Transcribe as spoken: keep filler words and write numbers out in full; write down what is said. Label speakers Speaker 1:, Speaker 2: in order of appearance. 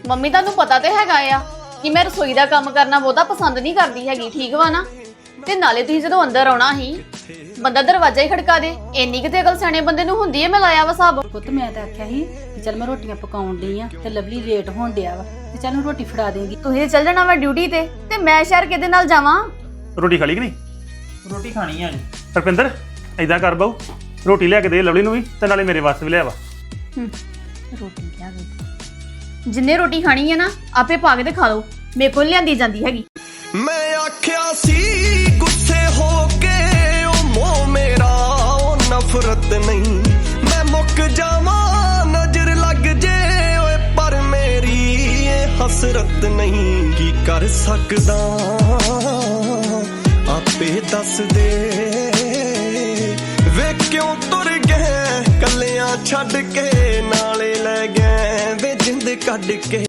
Speaker 1: Mummy ਤੁਹਾਨੂੰ ਪਤਾ ਤੇ ਹੈਗਾ ਆ ਕਿ ਮੈਂ ਰਸੋਈ ਦਾ ਕੰਮ ਕਰਨਾ ਬਹੁਤਾ ਪਸੰਦ ਨਹੀਂ ਕਰਦੀ ਹੈਗੀ, ਠੀਕ ਵਾ ਨਾ। ਤੇ ਨਾਲੇ ਤੁਸੀਂ ਜਦੋਂ ਅੰਦਰ ਆਉਣਾ ਸੀ ਬੰਦਾ ਦਰਵਾਜ਼ਾ ਹੀ ਖੜਕਾ ਦੇ, ਇੰਨੀ ਕਿਤੇ ਅਕਲ ਸਿਆਣੇ ਬੰਦੇ ਨੂੰ ਹੁੰਦੀ ਹੈ। ਮੈਂ ਲਾਇਆ ਵਾ ਹਿਸਾਬ।
Speaker 2: ਪੁੱਤ ਮੈਂ ਤਾਂ ਆਖਿਆ ਸੀ ਕਿ ਚੱਲ ਮੈਂ ਰੋਟੀਆਂ ਪਕਾਉਣ ਡਈ ਆ ਤੇ ਲਵਲੀ ਲੇਟ ਹੋਣ ਡਿਆ ਵਾ ਤੇ ਚੱਲ ਮੈਂ ਰੋਟੀ ਫੜਾ ਦੇਂਗੀ।
Speaker 1: ਤੁਸੀਂ ਚੱਲ ਜਾਣਾ ਵਾ ਡਿਊਟੀ ਤੇ ਤੇ ਮੈਂ ਸ਼ਹਿਰ ਕਿਹਦੇ ਨਾਲ ਜਾਵਾਂ?
Speaker 3: ਰੋਟੀ ਖਾ ਲਈ ਕਿ ਨਹੀਂ?
Speaker 4: ਰੋਟੀ ਖਾਣੀ ਆ ਜੀ।
Speaker 3: ਰੁਪਿੰਦਰ ਏਦਾਂ ਕਰ ਬਾਊ, ਰੋਟੀ ਲਿਆ ਕੇ ਦੇ ਲਵਲੀ ਨੂੰ ਵੀ ਤੇ ਨਾਲੇ ਮੇਰੇ ਵਾਸਤੇ ਵੀ ਲਿਆ ਵਾ।
Speaker 1: ਰੋਟੀ ਲਿਆ ਦੇ, ਜਿੰਨੇ ਰੋਟੀ ਖਾਣੀ ਹੈ ਨਾ ਆਪੇ ਪਾ ਕੇ ਤੇ ਖਾ ਲਓ, ਮੇਰੇ ਕੋਲ ਲਿਆਂਦੀ ਜਾਂਦੀ ਹੈਗੀ।
Speaker 5: ਮੈਂ ਆਖਿਆ ਸੀ ਗੁੱਸੇ ਹੋ ਕੇ ਉਹ ਮੋਹ ਮੇਰਾ ਉਹ ਨਫ਼ਰਤ ਨਹੀਂ, ਮੈਂ ਮੁੱਕ ਜਾਵਾਂ ਨਜ਼ਰ ਲੱਗ ਜੇ ਓਏ ਪਰ ਮੇਰੀ ਇਹ ਹਸਰਤ ਨਹੀਂ। ਕੀ ਕਰ ਸਕਦਾ ਆਪੇ ਦੱਸ ਦੇ ਵੇ ਕਿਉਂ ਤੁਰ ਗਏ ਕੱਲਿਆਂ ਛੱਡ ਕੇ, ਨਾਲੇ ਲੈ ਗਏ ਵੇ ਜਿੰਦ ਕੱਢ ਕੇ।